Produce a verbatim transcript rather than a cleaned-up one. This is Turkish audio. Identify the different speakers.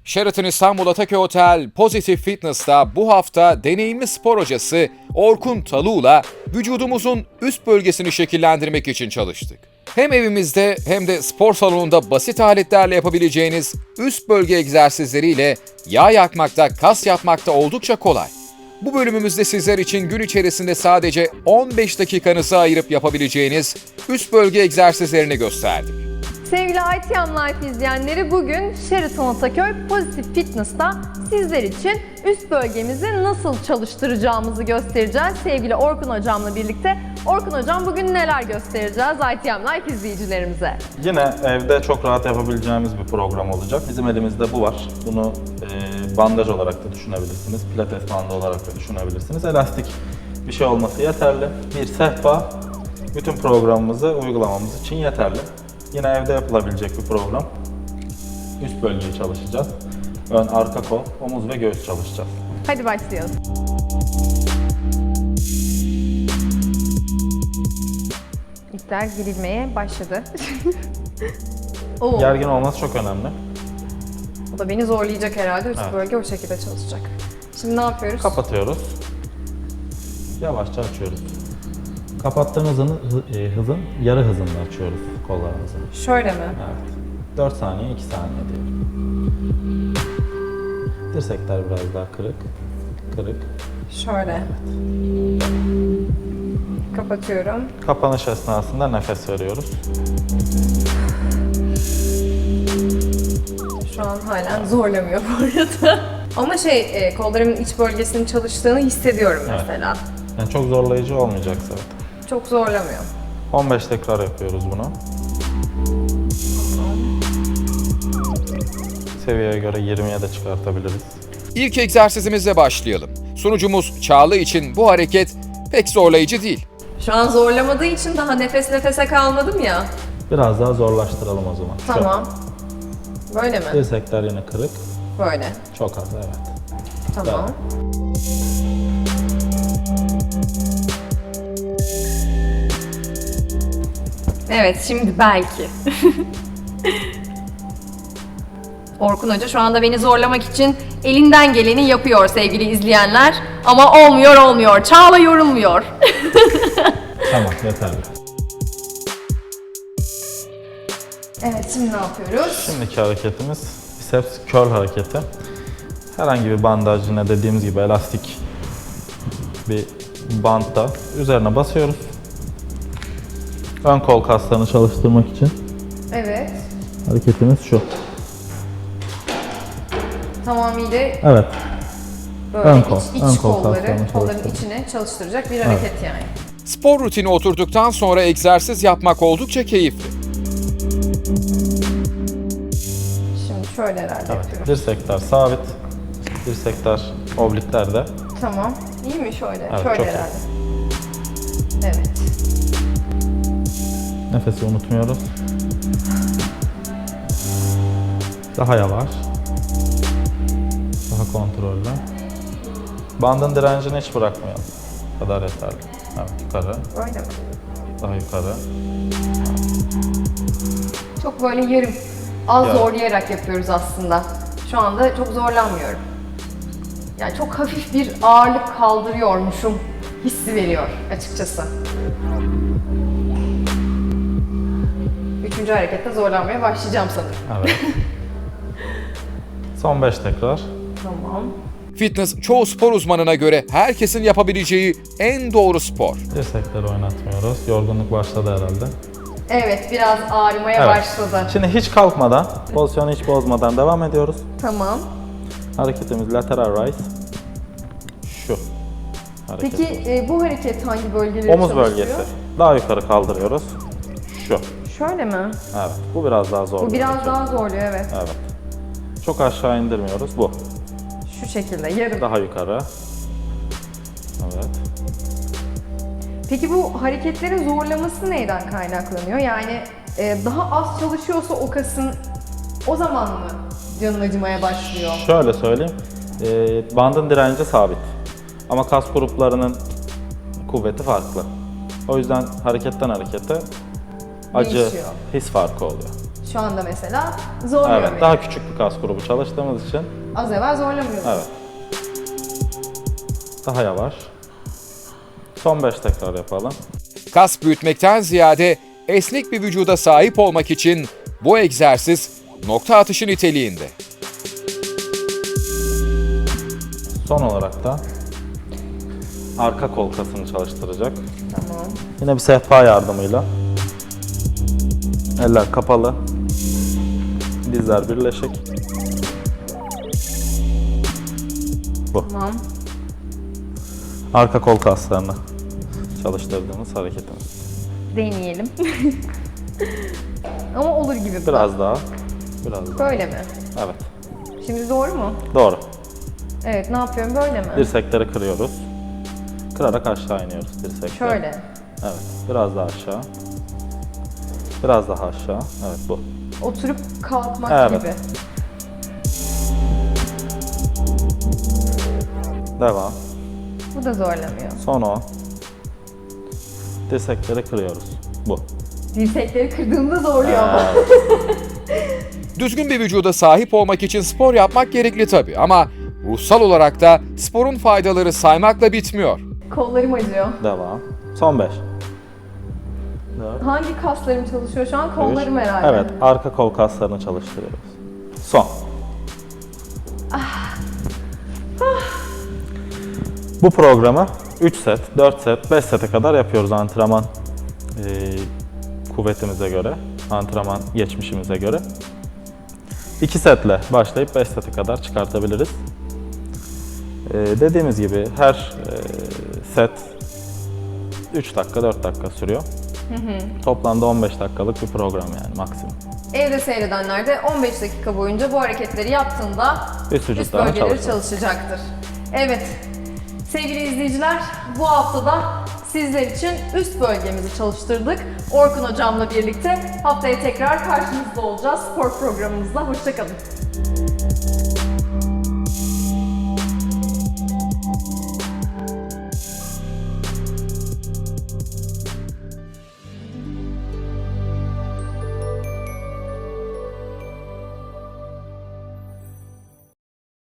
Speaker 1: Sheraton İstanbul Ataköy Otel Positive Fitness'ta bu hafta deneyimli spor hocası Orkun Talu'la vücudumuzun üst bölgesini şekillendirmek için çalıştık. Hem evimizde hem de spor salonunda basit aletlerle yapabileceğiniz üst bölge egzersizleriyle yağ yakmakta, kas yapmakta oldukça kolay. Bu bölümümüzde sizler için gün içerisinde sadece on beş dakikanızı ayırıp yapabileceğiniz üst bölge egzersizlerini gösterdik.
Speaker 2: Sevgili I T M Life izleyenleri, bugün Sheraton Ataköy Positive Fitness'ta sizler için üst bölgemizi nasıl çalıştıracağımızı göstereceğiz. Sevgili Orkun Hocam'la birlikte. Orkun Hocam, bugün neler göstereceğiz I T M Life izleyicilerimize?
Speaker 3: Yine evde çok rahat yapabileceğimiz bir program olacak. Bizim elimizde bu var. Bunu e, bandaj olarak da düşünebilirsiniz. Pilates bandı olarak da düşünebilirsiniz. Elastik bir şey olması yeterli. Bir sehpa bütün programımızı uygulamamız için yeterli. Yine evde yapılabilecek bir program. Üst bölgeyi çalışacağız. Ön, arka kol, omuz ve göğüs çalışacağız.
Speaker 2: Hadi başlayalım. İpler girilmeye başladı. Oo,
Speaker 3: Gergin olması çok önemli.
Speaker 2: o da beni zorlayacak herhalde. Üst
Speaker 3: Evet.
Speaker 2: bölge o şekilde çalışacak. Şimdi ne yapıyoruz?
Speaker 3: Kapatıyoruz. Yavaşça açıyoruz. Kapattığımız hızın, hı- e, hızın yarı hızında açıyoruz kollarımızı.
Speaker 2: Şöyle mi?
Speaker 3: Evet. dört saniye, iki saniye diyelim. Dirsekler biraz daha kırık. Kırık.
Speaker 2: Şöyle. Kapatıyorum.
Speaker 3: Kapanış esnasında nefes veriyoruz.
Speaker 2: Şu an halen zorlamıyor bu arada. Ama şey, e, kollarımın iç bölgesinin çalıştığını hissediyorum
Speaker 3: Evet.
Speaker 2: mesela.
Speaker 3: Yani çok zorlayıcı olmayacak zaten.
Speaker 2: Çok zorlamıyor.
Speaker 3: on beş tekrar yapıyoruz bunu. Seviyeye göre yirmiye de çıkartabiliriz.
Speaker 1: İlk egzersizimizle başlayalım. Sunucumuz Çağla için bu hareket pek zorlayıcı değil.
Speaker 2: Şu an zorlamadığı için daha nefes nefese kalmadım ya.
Speaker 3: Biraz daha zorlaştıralım o zaman. Şu.
Speaker 2: Tamam. Böyle mi?
Speaker 3: Dirsekler yine kırık.
Speaker 2: Böyle.
Speaker 3: Çok az, evet.
Speaker 2: Tamam. Evet, şimdi belki. Orkun Hoca şu anda beni zorlamak için elinden geleni yapıyor sevgili izleyenler. Ama olmuyor olmuyor. Çağla yorulmuyor.
Speaker 3: Tamam, yeterli.
Speaker 2: Evet, şimdi ne yapıyoruz?
Speaker 3: Şimdiki hareketimiz biceps curl hareketi. Herhangi bir bandaj, yine dediğimiz gibi elastik bir bantta üzerine basıyoruz. Ön kol kaslarını çalıştırmak için
Speaker 2: Evet.
Speaker 3: hareketimiz şu.
Speaker 2: Tamamıyla
Speaker 3: Evet.
Speaker 2: böyle
Speaker 3: Ön
Speaker 2: iç,
Speaker 3: kol,
Speaker 2: iç
Speaker 3: ön kol
Speaker 2: kolları,
Speaker 3: kaslarını
Speaker 2: kolların
Speaker 3: çalıştırıyor.
Speaker 2: içine çalıştıracak bir hareket yani.
Speaker 1: Spor rutini oturduktan sonra egzersiz yapmak oldukça keyifli.
Speaker 2: Şimdi şöyle herhalde
Speaker 3: Evet.
Speaker 2: yapıyorum.
Speaker 3: Dirsekler sabit. Dirsekler obliklerde.
Speaker 2: Tamam. İyi mi şöyle?
Speaker 3: Evet,
Speaker 2: şöyle
Speaker 3: çok iyi.
Speaker 2: herhalde. Evet.
Speaker 3: Nefesi unutmuyoruz. Daha yavaş. Daha kontrollü. Bandın direncini hiç bırakmayalım. Bu kadar yeterli. Evet, yukarı.
Speaker 2: Böyle mi?
Speaker 3: Daha yukarı.
Speaker 2: Çok böyle yarım, az
Speaker 3: Ya.
Speaker 2: zorlayarak yapıyoruz aslında. Şu anda çok zorlanmıyorum. Yani çok hafif bir ağırlık kaldırıyormuşum hissi veriyor açıkçası. Üçüncü harekette zorlanmaya başlayacağım sanırım.
Speaker 3: Evet. Son beş tekrar.
Speaker 2: Tamam.
Speaker 1: Fitness çoğu spor uzmanına göre herkesin yapabileceği en doğru spor.
Speaker 3: Dirsekleri oynatmıyoruz. Yorgunluk başladı herhalde.
Speaker 2: Evet, biraz ağrımaya
Speaker 3: Evet.
Speaker 2: başladı.
Speaker 3: Şimdi hiç kalkmadan, pozisyonu hiç bozmadan devam ediyoruz.
Speaker 2: Tamam.
Speaker 3: Hareketimiz lateral rise. Şu. Hareket.
Speaker 2: Peki e, bu hareket hangi bölgeleri
Speaker 3: Omuz
Speaker 2: çalıştırıyor?
Speaker 3: bölgesi. Daha yukarı kaldırıyoruz. Şu.
Speaker 2: Şöyle mi?
Speaker 3: Evet. Bu biraz daha zor.
Speaker 2: Bu
Speaker 3: bir
Speaker 2: biraz
Speaker 3: hareket.
Speaker 2: daha zorluyor, evet.
Speaker 3: Evet. Çok aşağı indirmiyoruz. Bu.
Speaker 2: Şu şekilde, yarım.
Speaker 3: Daha yukarı. Evet.
Speaker 2: Peki bu hareketlerin zorlaması neyden kaynaklanıyor? Yani e, daha az çalışıyorsa o kasın, o zaman mı canın acımaya başlıyor?
Speaker 3: Şöyle söyleyeyim. Ee, bandın direnci sabit. Ama kas gruplarının kuvveti farklı. O yüzden hareketten harekete acı,
Speaker 2: Değişiyor.
Speaker 3: his farkı oluyor.
Speaker 2: Şu anda mesela zorluyor
Speaker 3: Evet,
Speaker 2: beni.
Speaker 3: daha küçük bir kas grubu çalıştığımız için.
Speaker 2: Az evvel zorlamıyordum.
Speaker 3: Evet. Daha yavaş. Son beş tekrar yapalım.
Speaker 1: Kas büyütmekten ziyade esnek bir vücuda sahip olmak için bu egzersiz nokta atışı niteliğinde.
Speaker 3: Son olarak da arka kol kasını çalıştıracak.
Speaker 2: Tamam.
Speaker 3: Yine bir sehpa yardımıyla. Eller kapalı. Dizler birleşik. Bu.
Speaker 2: Tamam.
Speaker 3: Arka kol kaslarını çalıştırdığımız hareketimiz.
Speaker 2: Deneyelim. Ama olur gibi bu.
Speaker 3: Biraz daha. Biraz daha.
Speaker 2: Böyle mi?
Speaker 3: Evet.
Speaker 2: Şimdi doğru mu?
Speaker 3: Doğru.
Speaker 2: Evet, ne yapıyorum? Böyle mi?
Speaker 3: Dirsekleri kırıyoruz. Kırarak aşağı iniyoruz dirsekleri.
Speaker 2: Şöyle.
Speaker 3: Evet. Biraz daha aşağı. Biraz daha aşağı. Evet bu.
Speaker 2: Oturup kalkmak
Speaker 3: Evet.
Speaker 2: gibi.
Speaker 3: Devam.
Speaker 2: Bu da zorlamıyor.
Speaker 3: Son o. Dirsekleri kırıyoruz. Bu.
Speaker 2: Dirsekleri kırdığımda zorluyor ama.
Speaker 1: Düzgün bir vücuda sahip olmak için spor yapmak gerekli tabii ama ruhsal olarak da sporun faydaları saymakla bitmiyor.
Speaker 2: Kollarım acıyor.
Speaker 3: Devam. Son beş. dört.
Speaker 2: Hangi kaslarım çalışıyor şu an? Kollarım
Speaker 3: Üç.
Speaker 2: herhalde.
Speaker 3: Evet, arka kol kaslarını çalıştırıyoruz. Son. Bu programı üç set, dört set, beş sete kadar yapıyoruz antrenman e, kuvvetimize göre, antrenman geçmişimize göre. iki setle başlayıp beş sete kadar çıkartabiliriz. E, dediğimiz gibi her e, set üç dakika, dört dakika sürüyor. Toplamda on beş dakikalık bir program yani maksimum.
Speaker 2: Evde seyredenler de on beş dakika boyunca bu hareketleri yaptığında
Speaker 3: Üst
Speaker 2: üst
Speaker 3: vücutlarına
Speaker 2: bölgeleri
Speaker 3: çalışıyor.
Speaker 2: çalışacaktır. Evet, sevgili izleyiciler, bu haftada sizler için üst bölgemizi çalıştırdık. Orkun hocamla birlikte haftaya tekrar karşınızda olacağız spor programımızda. Hoşça kalın.